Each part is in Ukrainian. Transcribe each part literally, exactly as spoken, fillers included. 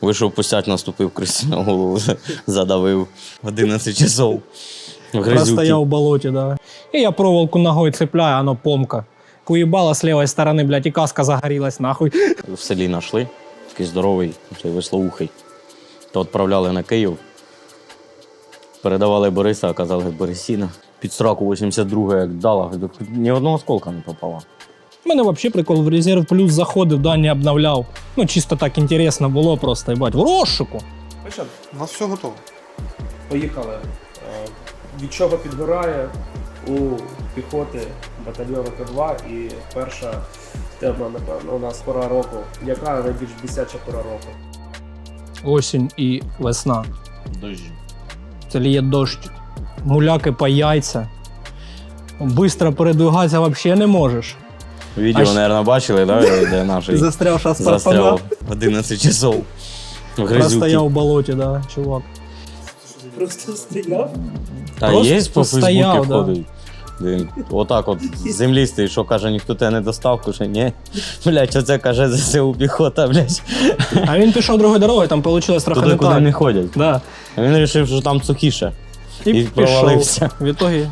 Вийшов пустять, наступив крисі на голову, задавив одинадцять часов. Простоял в болоте, да. И я проволоку ногой цепляю, оно помка. Уебало с левой стороны, блядь, и каска загорелась, нахуй. В селі знайшли, такий здоровий, цей веслоухий. То відправляли на Київ. Передавали Бориса, а казали Борисіна. Під сраку вісімдесят друга як дала, ні одного осколка не попало. У мене взагалі прикол, в резерв плюс заходив, да, не обновляв. Ну, чисто так інтересно було просто, їбать, в розшуку. У нас все готово. Поїхали. Е, Від чого підгорає у піхоти батальйону К два і перша тема, напевно, у нас пора року. Яка найбільш бісяча пора року? Осінь і весна. Дощі. Це ліє дощ. Муляки по яйця. Бистро передвигатися взагалі не можеш. Відео, А мабуть, бачили, да, де наш Застрявша застряв одинадцять часов в грязюці. Простояв в болоті, да, чувак. Просто стояв? Та Просто є по стояв, Фейсбуці да. ходить. Він отак от з землі стоїть, що каже, ніхто тебе не достав, каже, ні. Блять, оце каже ЗСУ піхота, блять. А він пішов другою дорогою, там вийшло трохи Туди, не куди так. не ходять. Да. А він вирішив, що там сухіше. І, І пішов. провалився. В ітогі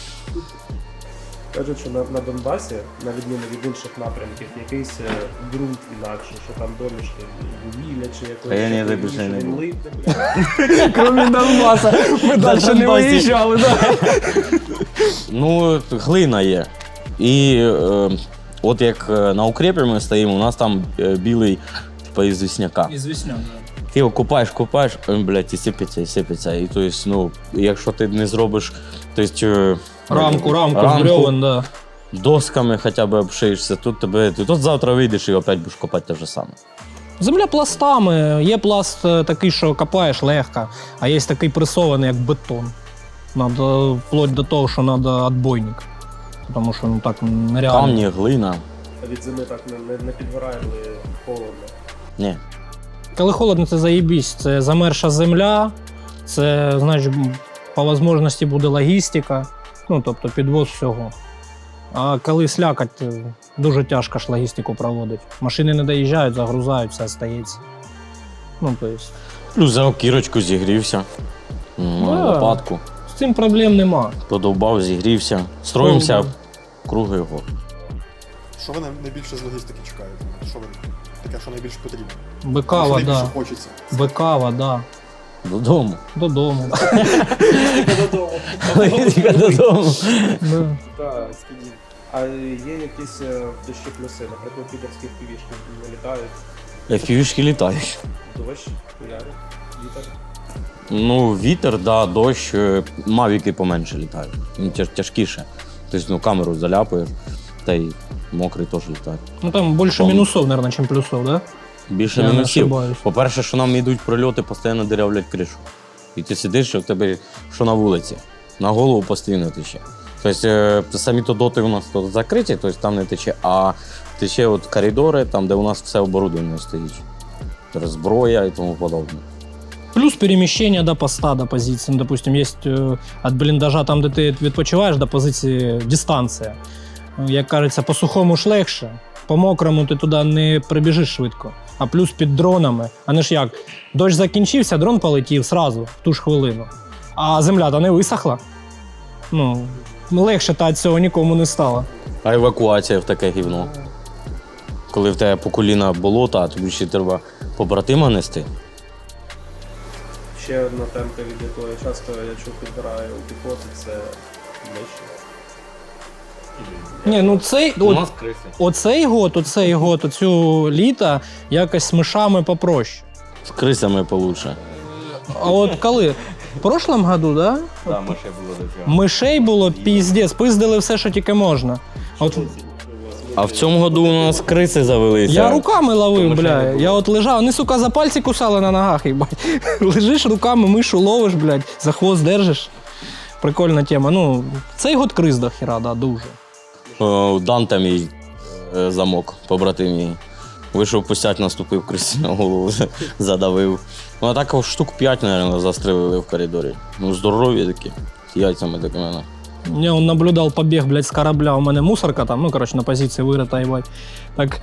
Кажуть, що на, на Донбасі, на відміну від інших напрямків, якийсь е, ґрунт інакший, що там домішки вугілля чи якось. А я ні, що так більше він не був. липне, бля. Кроме Донбаса, ми далі не Донбасі. виїжджали, да. Ну, глина є. І е, от як е, на укрепі ми стоїмо, у нас там е, білий, типу, із вісняка. Із віснян, Ти його купаєш, купаєш, ой, блядь, і сипеться, і сипеться. І то есть, ну, якщо ти не зробиш, то есть, е, Рамку, рамку, рамку, з бревен, да. досками хоча б обшиєшся, тут тебе, ти тут завтра вийдеш і опять будеш копати те ж саме. Земля пластами. Є пласт е, такий, що копаєш легко, а є такий пресований, як бетон. Надо вплоть до того, що треба відбойник. Тому що ну так нереально. Камні, глина. А від зими так не, не, не підгорає, коли холодно. Ні. Коли холодно, це заєбісь. Це замерша земля, це, значить, по можливості буде логістика, ну, тобто підвоз всього. А коли слякать, дуже тяжко ж логістику проводити. Машини не доїжджають, загрузають, все стається. Ну, то есть. Плюс взяв кірочку, зігрівся. М, Да. Лопатку. З цим проблем нема. Подовбав, зігрівся. Строїмося Довбав. круги його. Що ви най- найбільше з логістики чекаєте? Що ви таке, що найбільше потрібно? Бикава, що найбільше да. хочеться? Бикава, да. Додому. Додому. Тільки додому. Да. Так, скидів. А є якісь е, дощі плюси, наприклад, підерські півішки не літають, Еф пі ві-шки літають. дощ, хуяри, вітер. Ну, вітер, да, дощ, е, мавіки поменше літають. Ну, тяж, тяжкіше. Тобто, ну, камеру заляпаєш, та й мокрий теж літає. Ну там більше Там- мінусов, мабуть, ніж плюсов, да? Більше Я не мінусів. ошибаюсь. По-перше, що нам йдуть прильоти, постійно дирявлять кришу. І ти сидиш, що в тебе, що на вулиці. На голову постійно тече. Тобто е, самі то доти у нас тут закриті, тобто там не тече, а тече от коридори, там, де у нас все оборудовано стоїть. Тобто зброя і тому подобне. Плюс переміщення до поста, до позиції. Ну, допустим, є від бліндажа, там, де ти відпочиваєш, до позиції дистанція. Як кажеться, по сухому ж легше, по мокрому ти туди не прибіжиш швидко. А плюс під дронами. А не ж як, дощ закінчився, дрон полетів сразу, в ту ж хвилину. А земля то не висохла. Ну, легше та від цього нікому не стало. А евакуація в таке гівно. Коли в тебе по коліна болота, а тобі ще треба побратима нести. Ще одна темка, від якої часто я чув підгорає у піхоти, це миші. Ні, ну цей, от, криси. оцей год, оцей год, оцю літа якось з мишами попроще. З крисами получше. А от коли? В прошлом году, да? Так, ми ще було до цього. Мишей було піздець, пиздили все, що тільки можна. От А в цьому году у нас криси завелися. я руками ловив, мишей бля. не було. Я от лежав, вони, сука, за пальці кусали на ногах, їбать. Лежиш руками, мишу ловиш, блядь, за хвост держиш. Прикольна тема. Ну, цей год криз до хіра, да, дуже. О, Данте мій е, замок, побратим мій. Вийшов пустять, наступив крисі на голову, задавив. Ну, а так штук п'ять, мабуть, застрелили в коридорі. Ну, здорові такі, з яйцями такими. Я он наблюдал побег, блядь, с корабля. У мене мусорка там, ну, короче, на позиції вирита, їбать. Так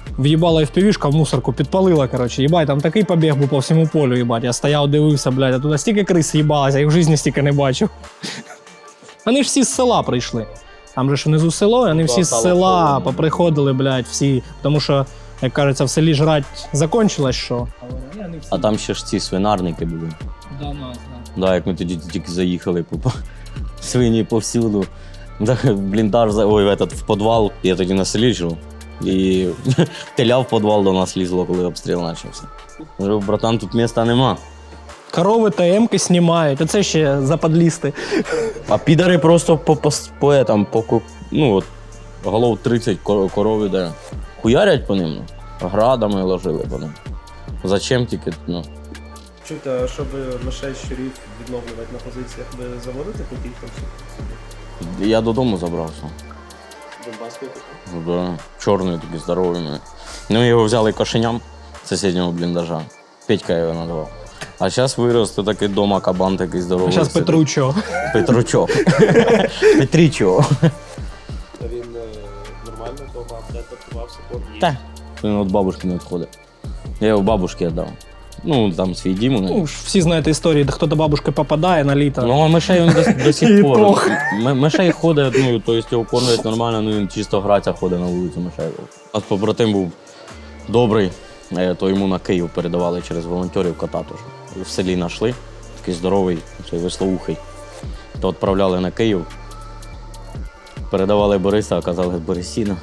В'їбала еф пі ві-шка в мусорку, підпалила, коротше, їбать, там такий побіг був по всьому полю, їбать. Я стояв, дивився, блядь, а туди стільки крис їбалося, я їх в житті стільки не бачив. Вони ж всі з села прийшли. Там же ж внизу село, і вони всі з села поприходили, блядь, всі. Тому що, як кажеться, в селі жрать закончилось, що. А там ще ж ці свинарники були. Да, нас, Да, як ми тоді тільки заїхали, по свині повсюду. Так, бліндаж, за- ой, в, этот, в підвал, я тоді на селі жив. І теля в підвал до нас лізло, коли обстріл почався. Кажу, братан, тут міста нема. Корови та емки знімають, оце ще западлісти. А підари просто по, по, по, етам, по ку- ну, от, голов тридцять кор- коров іде. Хуярять по ним, ну, градами ложили по ним. Зачем тільки, ну. Чуєте, щоб мишей щурів відновлювати на позиціях, ви заводите таких там сюди? Я додому забрався. Донбаської таку? Да, чорний такий здоровий. мене. Ну, ми його взяли кошеням з сусіднього бліндажа. Петька його назвав. А зараз вирос то такий дома кабан такий здоровий. А зараз сидить. Петручо. Петручок. Петрічо. Та він нормально дома адаптувався по одній. Так. Він від бабушки не відходить. Я його бабушці віддав. Ну, там свій дім у неї. Ну, ж всі знаєте історії, де хто до бабушки попадає на літо. Ну, а мишей він до, до І сих пор. пох. М- Мишей ходить, ну, то есть його кормлять нормально, ну він чисто гратися ходить на вулицю мишей. А побратим був добрий, е, то йому на Київ передавали через волонтерів кота теж. В селі знайшли, такий здоровий, цей веслоухий. То відправляли на Київ, передавали Бориса, а казали Борисіна.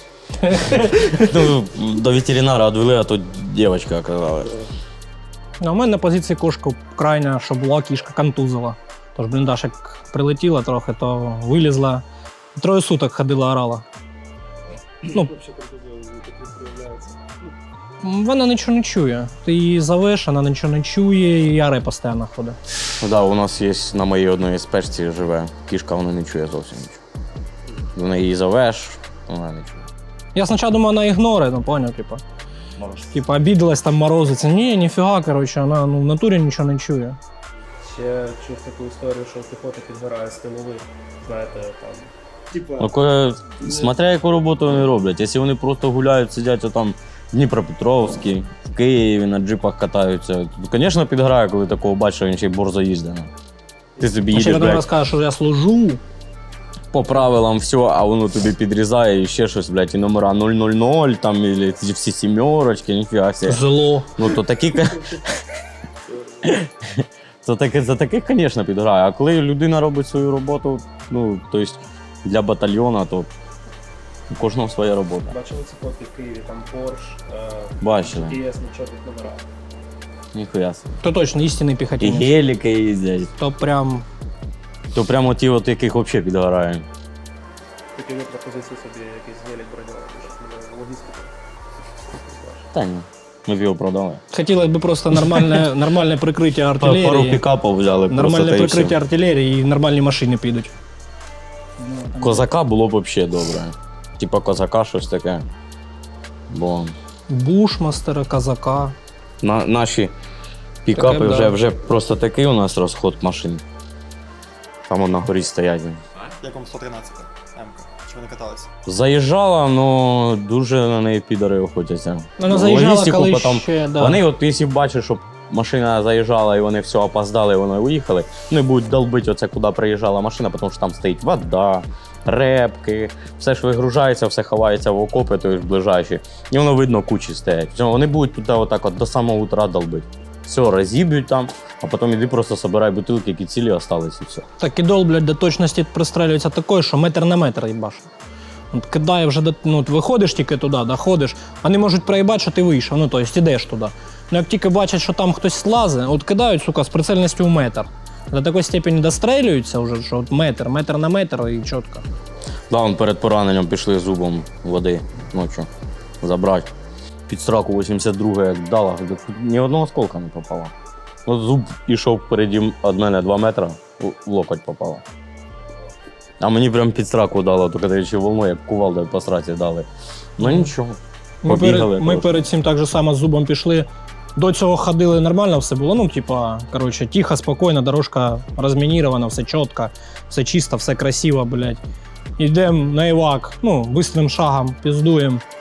Ну, до ветеринара відвели, а тут дівчинка оказалась. А у мене на позиції кошка крайня, що була, кішка контузила. Тож бліндаж як прилетіла трохи, то вилізла. Троє суток ходила, орала. Ну, вона нічого не чує. Ти її зовеш, вона нічого не чує, і яре постійно ходить. Ну, да, у нас є на моїй одній спечці живе кішка, вона не чує зовсім нічого. Вона її зовеш, вона не чує. Я спочатку думав, вона ігноре, ну поняв, типа. Типа, обідалась там морозиться. Ні, ніфіга, коротше, вона ну, в натурі нічого не чує. Ще чув таку історію, що піхота підбирає стимули, знаєте, там. Типа. Ну, коли, смотря яку роботу вони роблять. Якщо вони просто гуляють, сидять там в Дніпропетровській, в Києві, на джипах катаються, то, звісно, підграє, коли такого бачиш, він ще й борзо їздить. ну. Ти собі А ще їдеш, потім блядь, розкаже, що я служу. по правилам все, а воно тобі підрізає і ще щось, блядь, і номера нуль нуль нуль, там, і ці всі сімерочки, ніфіга себе. Зло. Ну, то такі... ка- Це таке, за таких, звісно, підграє. А коли людина робить свою роботу, ну, тобто для батальйону, то у кожного своя робота. Бачили ці фотки в Києві, там Порш, Бачили. Джі Ті Ес на чорних номерах. Ніхуя собі. То точно істинний І піхотинець. геліки їздять. То прям То прямо ті, от яких взагалі підгорає. Такі ви пропозиції собі якийсь гелік бронювати, щоб не логістика. Та ні. Ми б його продали. хотілося б просто нормальне, нормальне прикриття Пару артилерії. пікапів взяли просто. Нормальне та й прикриття все. артилерії і нормальні машини підуть. Козака було б взагалі добре. Типа козака щось таке. Бо Бушмастера, казака. на, наші пікапи Таке, вже, да. вже просто такий у нас розход машин. Там на горі стоять. Як вам сто тринадцята М-ка? Чи ви не каталися? Заїжджала, але дуже на неї підари охотяться. Вона заїжджала, Логістику коли потім- ще, да. Вони, от якщо бачать, що машина заїжджала і вони все опоздали, і вони уїхали, вони будуть долбити оце, куди приїжджала машина, тому що там стоїть вода, репки, все ж вигружається, все ховається в окопи, то ж ближайші. І воно видно, кучі стоять. Все, вони будуть туди отак от до самого утра долбити. Все, розіб'ють там, а потім іди просто собирай бутилки, які цілі остались, і все. Так і дол, блядь, до точності пристрелюється такою, що метр на метр їбаш. От кидає вже, до- ну, от виходиш тільки туди, доходиш, вони можуть проїбати, що ти вийшов, ну, тобто ідеш туди. Ну, як тільки бачать, що там хтось слазить, от кидають, сука, з прицельністю в метр. До такої степені дострелюються вже, що от метр, метр на метр і чітко. Да, он перед пораненням пішли зубом води ночі забрати. Під сраку вісімдесят друга як дала, ні одного осколка не попало. От зуб пішов впереді від мене два метри, в локоть попало. А мені прям під сраку дало, тільки даючи волною, як кувалдою по сраці дали. Ну нічого. Ми Побігали перед, ми трошки. перед цим так же само з зубом пішли. До цього ходили нормально, все було. Ну, типа, коротше, тихо, спокійно, дорожка розмінірована, все чітко, все чисто, все красиво, блядь. Йдемо на івак, ну, бистрим шагом, піздуємо.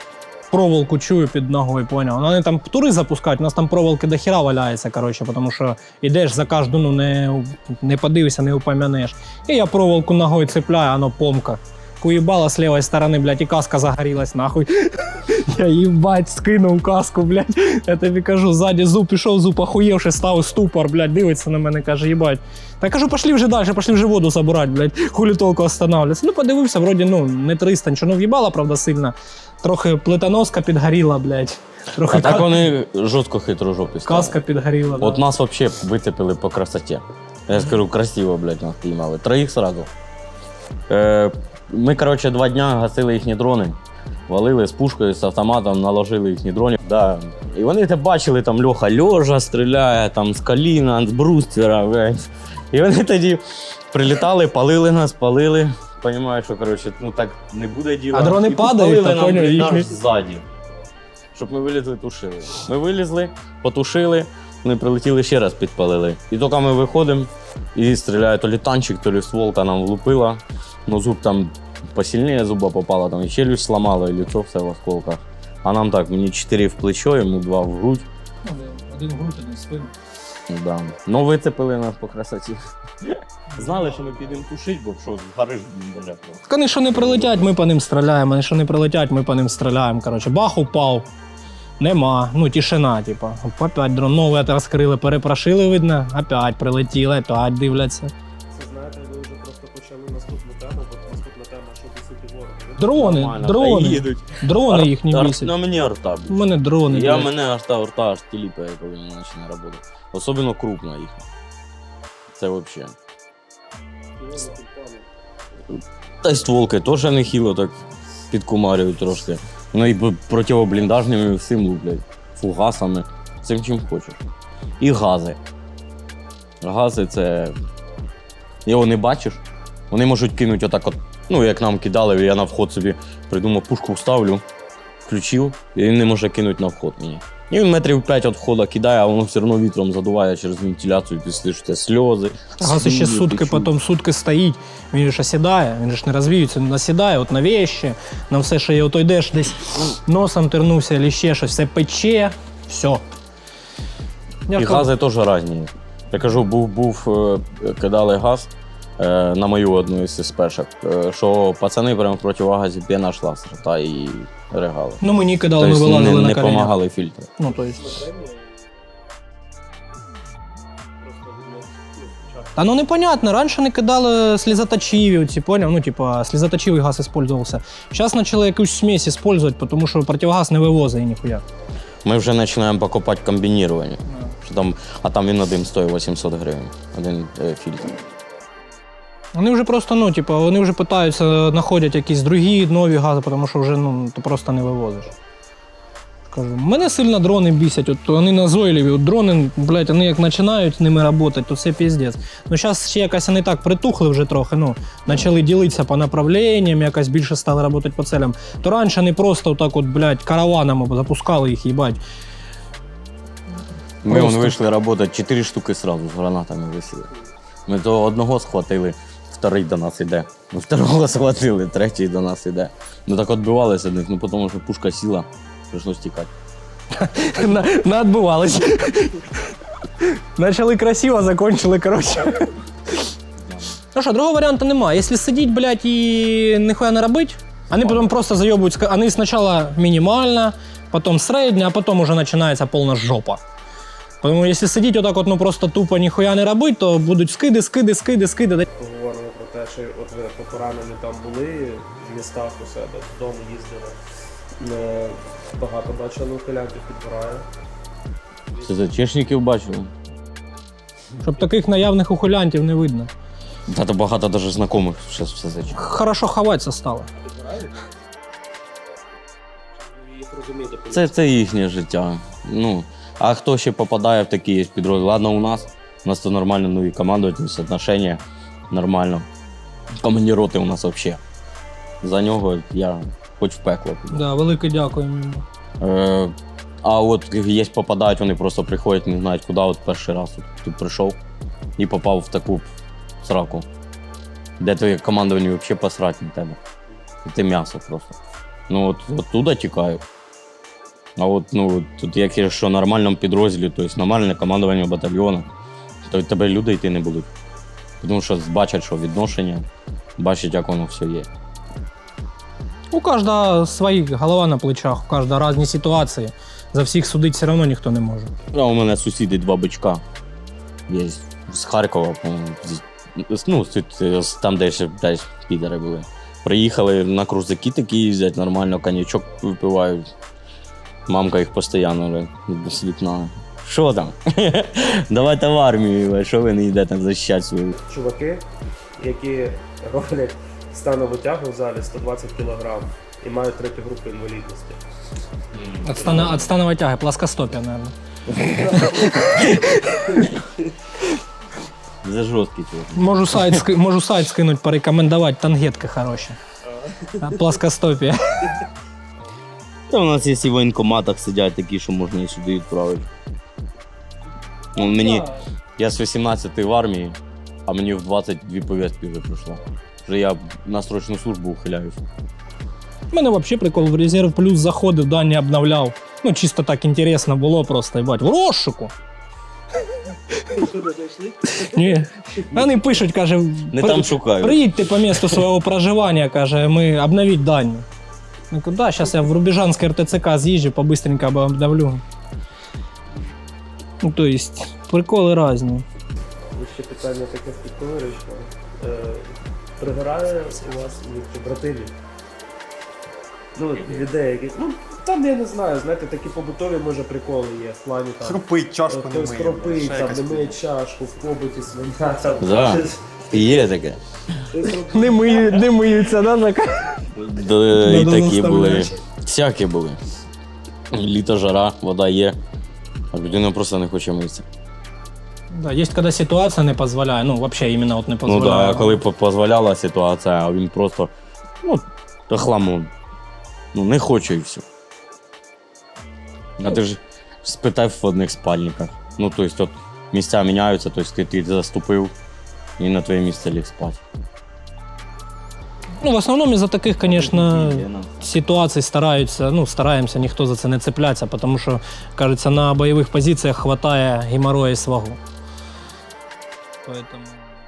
проволоку чую під ногою, поняв. Вони там тури запускають, у нас там проволоки до хіра валяється, коротше, тому що йдеш за кожну, ну не, не подивишся, не упомянеш. І я проволоку ногою цепляю, воно помка. Уїбала з лівої сторони, блядь, і каска загорілась, нахуй. Я їбать, скинув каску, блядь. Я тобі кажу, ззаді зуб пішов, зуб охуєвши, став ступор, блядь, дивиться на мене, каже, їбать. Та я кажу, пошли вже далі, пошли вже воду забирати, блядь, хулі толку останавливатися. Ну, подивився, вроді, ну, не триста, нічого, ну, в'їбала, правда, сильно. Трохи плитоноска підгоріла, блядь. Трохи А так ка- вони жорстко хитро жопі стали. каска підгоріла. От да. нас взагалі вицепили по красоті. Я скажу, красиво, блядь, нас піймали. Троїх сразу. Е, ми, коротше, два дня гасили їхні дрони. Валили з пушкою, з автоматом, наложили їхні дрони. Да. І вони те бачили, там Льоха льожа стріляє, там з коліна, з бруствера, блядь. І вони тоді прилітали, палили нас, палили. Понімаю, що, коротше, ну так не буде діла. А дрони І падають, підпалили та нам поняв, бліндаж їхні. ззаді. Щоб ми вилізли, тушили. Ми вилізли, потушили, вони прилетіли ще раз підпалили. І тільки ми виходимо, і стріляє то лі танчик, то лі стволка нам влупила. Ну зуб там посильніше зуба попала, там і челюсть сломала, і лицо все в осколках. А нам так, мені чотири в плечо, йому два в грудь. Один в грудь, один в спину. Да. Ну вицепили нас по красоті. Знали, що ми підемо тушити, бо що, згориш, бля. Так вони що не прилетять, ми по ним стріляємо, вони що не прилетять, ми по ним стріляємо. Коротше, бах упав. Нема. Ну, тишина, типа. Опять дрон новий розкрили, перепрошили, видно, опять прилетіли, опять дивляться. Це знаєте, ви вже просто почали наступну тему, бо наступна тема, що бісити ворога. Дрони, Нормально, дрони. та їдуть. Дрони їх не Ар- бісять. Ну мені арта. У мене дрони. Я блядь. мене аж та арта аж тіліпає, коли вона починає працювати. Особливо крупна їх. Це взагалі. Та й стволки теж нехило так підкумарюють трошки. Ну і б- противобліндажними всім луплять. Фугасами, цим чим хочеш. І гази. Гази це. Його не бачиш. Вони можуть кинути отак от, ну як нам кидали, я на вход собі придумав, пушку вставлю, включив, і він не може кинути на вход мені. І він метрів п'ять від входу кидає, а воно все одно вітром задуває через вентиляцію, ти слышиш це сльози. Газ ще сльози, сутки, ти чуєш. потім сутки стоїть, він ж осідає, він ж не розвіюється, він насідає от на вещі, на все, що є, ото йдеш десь носом тернувся, або ще щось, все пече, все. Я І ж кажу, гази теж різні. Я кажу, був, був е, кидали газ е, на мою одну із спешок, е, що пацани прямо в противогазі п'яна шла з рта і ригали. Ну мені кидали, ми Тобто вилазили не, на не коліна. допомагали фільтри. Ну, то есть. Та ну непонятно, раніше не кидали слізоточиві, оці, поняв? Ну, типа, слізоточивий газ использовался. Зараз почали якусь смесь использовать, тому що противогаз не вивозить ніхуя. Ми вже починаємо покупати комбінірування. Що там, а там він один стоїть вісімсот гривень, один е, фільтр. Вони вже просто, ну, типа, вони вже питаються, знаходять якісь другі нові гази, тому що вже, ну, ти просто не вивозиш. Кажу, мене сильно дрони бісять, от вони назойливі, от дрони, блядь, вони як починають з ними працювати, то це піздець. Ну зараз ще якось вони так притухли вже трохи, ну, почали ділитися по направленням, якось більше стали працювати по целям. То раніше вони просто отак от, блядь, караванами запускали їх, їбать. Ми Просто. вон вийшли працювати, чотири штуки сразу з гранатами висіли. Ми то одного схватили, вторий до нас іде. Ми второго схватили, третій до нас іде. Ну так відбивалися від них, ну тому що пушка сіла, прийшлось тікати. На- Наотбивались. Начали красиво, закончили, коротше. Ну що, другого варіанту немає. Якщо сидіть, блядь, і ніхуя не робити, вони потім просто зайобують. Вони спочатку мінімально, потім середня, а потім уже починається повна жопа. Тому якщо сидіть отак от, ну просто тупо ніхуя не робити, то будуть скиди, скиди, скиди, скиди. Поговоримо про те, що от ви по поранені там були в містах у себе, додому їздили. Е, Багато бачили ухилянтів підбирає. Це за чешників бачили. Щоб таких наявних ухилянтів не видно. Та то багато навіть знайомих зараз все зачем. Хорошо ховатися стало. Їх розумієте, Це, це їхнє життя. Ну, а хто ще попадає в такі підрозділи? Ладно, у нас. У нас то нормально, ну і командувальність, отношення нормально. Командир роти у нас взагалі. За нього я хоч в пекло піду. Да, велике дякуємо йому. Е, а от є попадають, вони просто приходять, не знають куди. От перший раз от, тут прийшов і попав в таку сраку, де твоє командування взагалі посрать на тебе. І ти м'ясо просто. Ну от оттуда тікаю. А от ну, тут як якщо в нормальному підрозділі, тобто нормальне командування батальйону, то від тебе люди йти не будуть. Тому що бачать, що відношення, бачать, як воно все є. У кожного своя голова на плечах, у кожного різні ситуації. За всіх судити все одно ніхто не може. А у мене сусіди два бичка є з Харкова, по-моєму, з- ну, з- з- там, де ще десь підари були. Приїхали на крузаки такі їздять, нормально коньячок випивають. Мамка їх постійно з вікна. Що там? Давайте в армію, що ви не йдете захищати свою. Чуваки, які роблять станову тягу в залі сто двадцять кілограм і мають третю групу інвалідності. От, стана, от станової тяги, плоскостопія, мабуть. Це жорсткий чувак. Можу сайт, ски- можу сайт скинути, порекомендувати, тангетки хороші. Плоскостопія. Та у нас є і в воєнкоматах сидять такі, що можна і сюди відправити. Ну, мені, я з вісімнадцяти в армії, а мені в двадцять дві повістки вже прийшло. Вже я на срочну службу ухиляюсь. У мене взагалі прикол, в резерв плюс заходив, дані обновляв. Ну, чисто так інтересно було просто, їбать, в розшуку. Ні. Вони пишуть, каже, Не «При- там шукають. приїдьте по місту свого проживання, каже, ми обновіть дані. Ну, куди? Зараз я в Рубіжанське ер те це ка з'їжджу, побыстренько або обновлю. Ну, то есть, приколи різні. Ще питання таке спілкуюче. Е, Пригорає у вас від братилів? Ну, людей якісь. Ну, там я не знаю, знаєте, такі побутові, може, приколи є в плані там. Хрупить, чашку не Хтось миє. хропить, ще там, якась не миє чашку, в побуті свиня. Там. Да. Є таке. Хтось робить- Не, мию, не миються, да, така? Да, і Надо такі були. заставляти. Всякі були. Літо, жара, вода є, а людина просто не хоче митися. Да, є, коли ситуація не дозволяє, ну, взагалі, іменно от не Ну дозволяє. так, да, коли по- дозволяла ситуація, а він просто, ну, та хламон. Ну, не хоче і все. А ти ж спитай в одних спальниках. Ну, тобто, от місця міняються, тобто ти, ти заступив і на твоє місце ліг спати. Ну, в основному із-за таких, звісно, ситуацій стараються, ну, стараємося ніхто за це не цеплятися, тому що, кажеться, на бойових позиціях вистачає геморрою і свагу. Поэтому...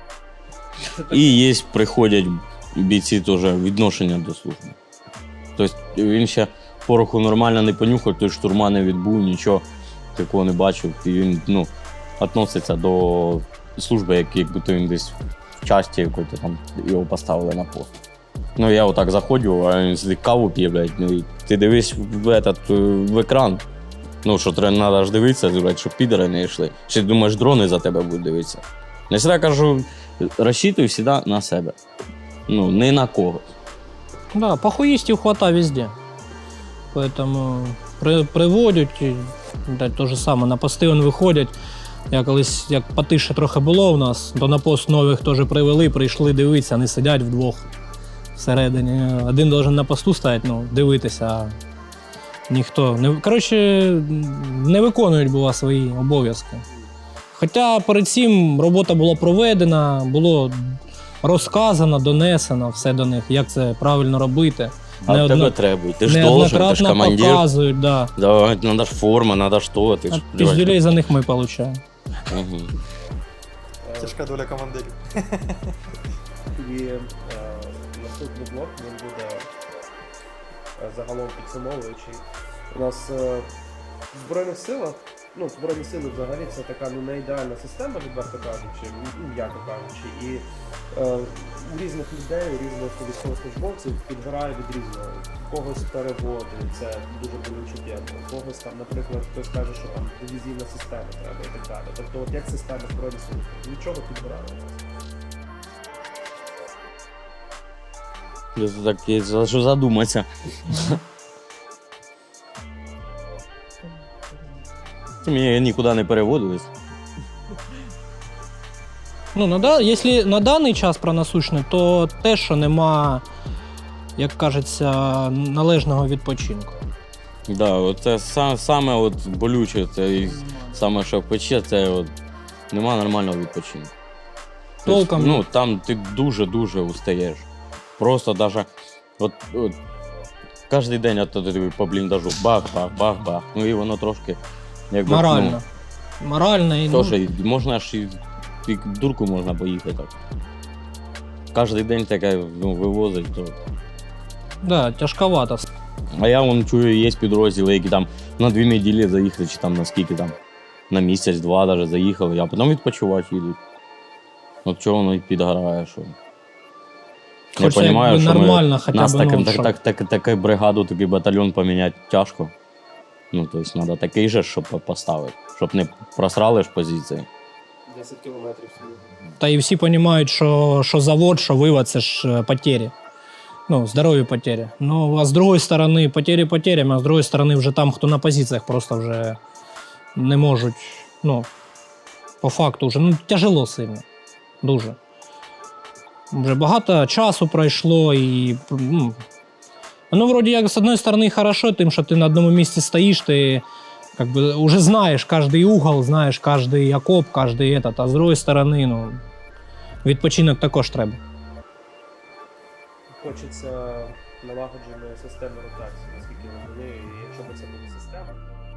І є, приходять бійці теж відношення до служби. Тобто він ще пороху нормально не понюхав, той штурма не відбув, нічого такого не бачив. І він, ну, відноситься до служби, як якби то він десь в часті якої там його поставили на пост. Ну, я отак заходжу, а він сидить каву п'є, блядь, ну, і ти дивись в, этот, в екран. Ну, що треба ж дивитися, блядь, щоб підери не йшли. Чи думаєш, дрони за тебе будуть дивитися? Я завжди кажу, розчитуй завжди на себе. Ну, не на когось. Да, похуїстів хватає везде. Поэтому при, приводять, і, да, то же саме, на пости вони виходять. Я колись, як потише трохи було в нас, то на пост нових теж привели, прийшли дивитися, вони сидять вдвох всередині. Один должен на посту стояти, ну, дивитися, а ніхто. Не, коротше, не виконують бува свої обов'язки. Хоча перед цим робота була проведена, було розказано, донесено все до них, як це правильно робити. А Неодно- в тебе треба. Ти ж должен, ти ж Неоднократно командир. показують, да. Да, надо ж форма, надо що, ти ж. А піздюлей за них ми отримуємо. Угу. Тяжка доля командирів. І е, наступний блок він буде е, загалом підсумовуючий. У нас е, в Збройних силах, ну, Збройні сили взагалі це така ну, не ідеальна система, відверто кажучи, ну, м'яко кажучи. І е, у різних людей, у різних військовослужбовців підгорає від різного. У когось переводи, це дуже болюче тема. У когось там, наприклад, хтось каже, що там дивізійна система треба і так далі. Тобто, от як система Збройних сил, від чого підгорає у нас? Я так я за що задуматися. Мені нікуди не переводились. Ну, на, да- якщо на даний час про насущне, то те, що нема, як кажеться, належного відпочинку. Да, оце са- саме от болюче, це і саме що пече, це от нема нормального відпочинку. Тобто, Толком. ну, там ти дуже-дуже устаєш. Просто даже, от, от кожен день от, от, от, по бліндажу бах-бах-бах-бах. Ну і воно трошки якби, Морально. Морально і Ну, ну, теж, і можна ж і, і дурку можна поїхати так. Кожен день таке ну, вивозить. То. да, тяжковато. А я вон чую, є підрозділи, які там на дві неділі заїхали, чи там на скільки там, на місяць-два навіть заїхали, а потім відпочивати їдуть. От чого воно і підгорає, що. Я Хочеться розумію, якби що нормально ми, хоча нас б, так, ну, так, щоб- так, так, такий бригаду, такий батальйон поміняти тяжко. Ну, тобто, треба такий же, щоб поставити, щоб не просрали ж позиції. десять кілометрів сюди. Та і всі розуміють, що, що завод, що вивод це ж е, потері. Ну, здоров'я потері. Ну, а з другої сторони, потері потерями, а з другої сторони, вже там, хто на позиціях, просто вже не можуть. Ну, по факту вже ну, тяжело сильно. Дуже. Вже багато часу пройшло і. Ну, воно вроді як з одної сторони хорошо, тим, що ти на одному місці стоїш, ти как бы, уже знаєш кожний угол, знаєш кожний окоп, кожний этот, а з другої сторони, ну, відпочинок також треба. Хочеться налагодженої системи ротації, наскільки я розумію, і якщо б це була система.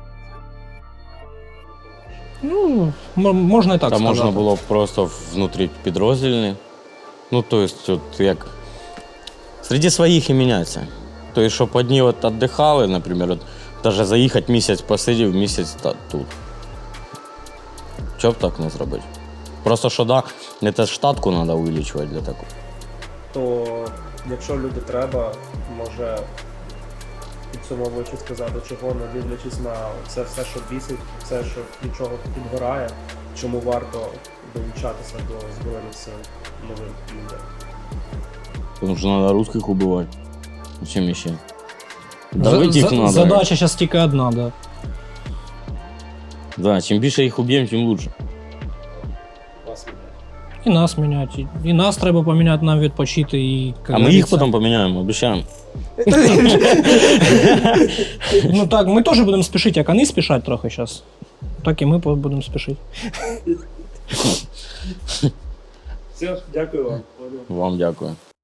Ну, м- можна і так Та сказати. можна було б просто внутрі підроздільні. Ну, тобто, от як серед своїх і мінятися. Тобто, щоб одні от віддихали, наприклад, от, навіть заїхати місяць посидів, місяць та, тут. Чого б так не зробити? Просто що да, це штатку треба увеличувати для такого. То якщо люди треба, може підсумовуючи сказати, чого не дивлячись на це все, що бісить, все, що нічого підгорає, чому варто долучатися до Збройних сил новим людям. Тому що треба русських убивати. Чим ще? За- Давити їх за- треба. Задача зараз тільки одна, да. Да, чим більше їх уб'ємо, тим краще. Вас міняє. І нас міняти. І нас треба поміняти, нам відпочити. І, як А ми їх говориться, потім поміняємо, обіцяємо. Ну так, ми теж будемо спішити, як вони спішать трохи зараз. Так і ми будемо спішити. Все, дякую вам. Вам дякую.